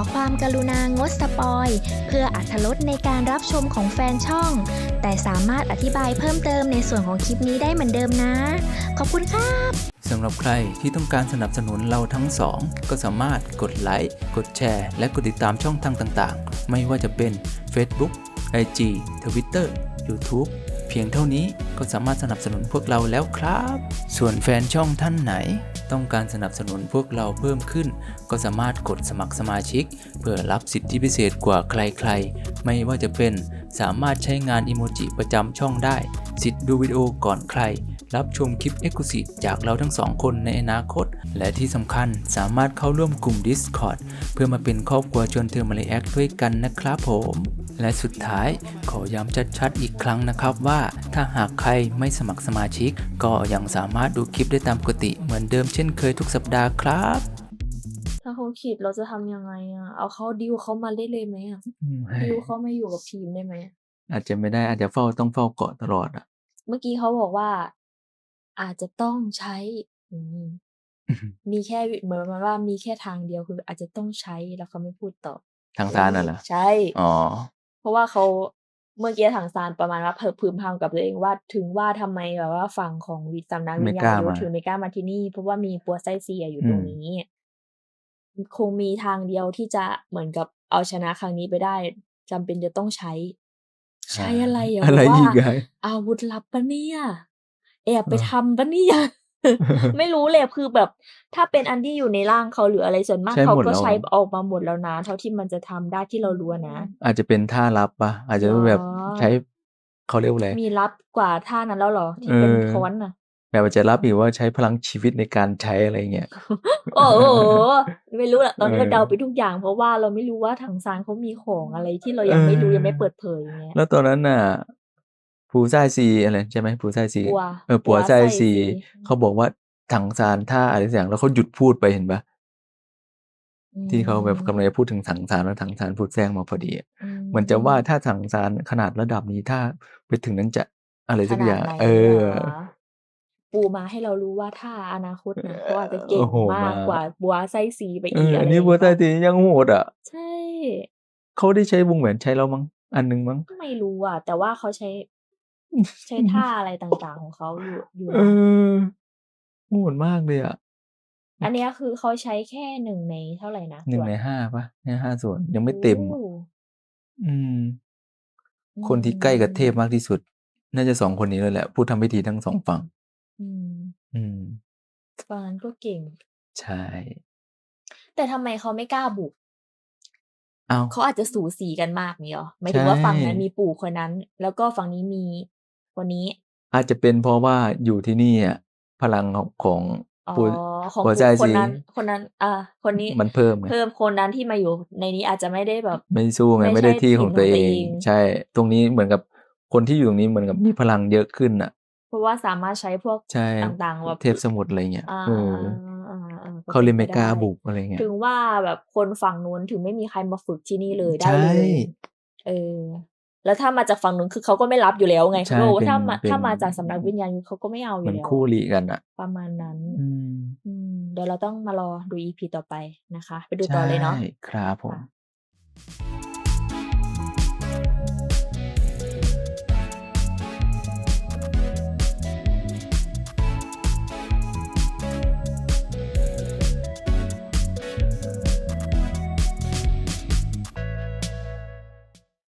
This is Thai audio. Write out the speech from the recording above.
ความกรุณางดสปอยเพื่ออรรถรสในการรับชมของแฟนช่องแต่สามารถอธิบายเพิ่มเติมในส่วนของคลิปนี้ได้เหมือนเดิมนะขอบคุณค่ะสำหรับใครที่ต้องการสนับสนุนเราทั้งสองก็สามารถกดไลค์กดแชร์และกดติดตามช่องทางต่างๆไม่ว่าจะเป็น Facebook IG Twitter YouTube เพียงเท่านี้ก็สามารถสนับสนุนพวกเราแล้วครับส่วนแฟนช่องท่านไหนต้องการสนับสนุนพวกเราเพิ่มขึ้นก็สามารถกดสมัครสมาชิกเพื่อรับสิทธิพิเศษกว่าใครๆไม่ว่าจะเป็นสามารถใช้งานอิโมจิประจำช่องได้สิทธิ์ดูวิดีโอก่อนใครรับชมคลิป Exclusive จากเราทั้งสองคนในอนาคตและที่สำคัญสามารถเข้าร่วมกลุ่ม Discord เพื่อมาเป็นครอบครัวชวนเธอมาเลแอคด้วยกันนะครับผมและสุดท้ายขอย้ำชัดๆอีกครั้งนะครับว่าถ้าหากใครไม่สมัครสมาชิกก็ยังสามารถดูคลิปได้ตามปกติเหมือนเดิมเช่นเคยทุกสัปดาห์ครับถ้าเขาคิดเราจะทำยังไงเอาเขาดิวเขามาเล่นเลยไหมดิวเขามาอยู่กับทีมได้ไหมอาจจะไม่ได้อาจจะต้องเฝ้าเกาะตลอดอ่ะเมื่อกี้เขาบอกว่าอาจจะต้องใช้มีแค่เหมือนประมาณว่ามีแค่ทางเดียวคืออาจจะต้องใช้แล้วเขาไม่พูดต่อทางซานน่ะเหรอใช่อ๋อเพราะว่าเขาเมื่อกี้ทางซานประมาณว่าพึมพำกับตัวเองว่าถึงว่าทำไมแบบว่าฝั่งของสำนักวิญญาณยุทธถึงไม่กล้ามาที่นี่เพราะว่ามีปัวไส้เซียอยู่ตรงนี้คงมีทางเดียวที่จะเหมือนกับเอาชนะครั้งนี้ไปได้จำเป็นจะต้องใช้อะไรอะไรอีกไงอาวุธลับปะเนี่ยแอบไปทำปะเนี่ยไม่รู้เลยคือแบบถ้าเป็นอันที่อยู่ในร่างเขาหรืออะไรส่วนมากเขาก็ใช้ออกมาหมดแล้วนะเท่าที่มันจะทำได้ที่เรารู้นะอาจจะเป็นท่าลับปะอาจจะแบบใช้เขาเรียกว่าอะไรมีลับกว่าท่านั้นแล้วเหรอที่เป็นค้อนน่ะแบบอาจจะลับอีกว่าใช้พลังชีวิตในการใช้อะไรเงี้ยโอ้โหไม่รู้แหละตอนนี้เราเดาไปทุกอย่างเพราะว่าเราไม่รู้ว่าถังซานเขามีของอะไรที่เรายังไม่รู้ยังไม่เปิดเผยอย่างเงี้ยแล้วตอนนั้นน่ะปูซ่ายซีอะไรใช่ไหมปูซ่ายซีปัวซ่ายซีเขาบอกว่าถังซานท่าอะไรสักอย่างแล้วเขาหยุดพูดไปเห็นปะที่เขาแบบกำลังจะพูดถึงถังซานแล้วถังซานพูดแทรกมาพอดีเหมือนจะว่าถ้าถังซานขนาดระดับนี้ถ้าไปถึงนั้นจะอะไรสักอย่างปูมาให้เรารู้ว่าถ้าอนาคตนะเขาอาจจะเก่งมากกว่าบัวไส้ซีไปอีกอันนี้บัวไส้ซียังโหดอ่ะใช่เขาได้ใช้วงแหวนใช้แล้วมั้งอันนึงมั้งไม่รู้อ่ะแต่ว่าเขาใช้ท่าอะไรต่างๆของเขาอยู่โหดมากเลยอ่ะอันนี้คือเขาใช้แค่1ในเท่าไหร่นะ 1 ใน 5ปะใน5ส่วนยังไม่เต็มคนที่ใกล้กับเทพมากที่สุดน่าจะ2คนนี้เลยแหละผู้ทำพิธีทั้ง2ฝั่งฝั่งนั้นก็เก่งใช่แต่ทำไมเขาไม่กล้าบุกเขาอาจจะสูสีกันมากนี่หรอหมายถึงว่าฝั่งนั้นมีปู่คนนั้นแล้วก็ฝั่งนี้มีคนนี้อาจจะเป็นเพราะว่าอยู่ที่นี่อ่ะพลังของของคนนั้นคนนี้มันเพิ่มคนนั้นที่มาอยู่ในนี้อาจจะไม่ได้แบบไม่สู้ไงไม่ได้ที่ของตัวเองใช่ตรงนี้เหมือนกับคนที่อยู่ตรงนี้เหมือนกับมีพลังเยอะขึ้นอ่ะเพราะว่าสามารถใช้พวกต่างๆแบบเทพสมุทรอะไรเงี้ยเขาเลยไม่กล้าบุกอะไรเงี้ยถึงว่าแบบคนฝั่งนู้นถึงไม่มีใครมาฝึกที่นี่เลยได้เลยแล้วถ้ามาจากฝั่งนู้นคือเขาก็ไม่รับอยู่แล้วไงเพราะว่าถ้ามาจากสำนักวิญญาณเขาก็ไม่เอาอยู่แล้วเหมือนคู่หลีกันอ่ะประมาณนั้นเดี๋ยวเราต้องมารอดู EP ต่อไปนะคะไปดูต่อเลยเนาะครับผม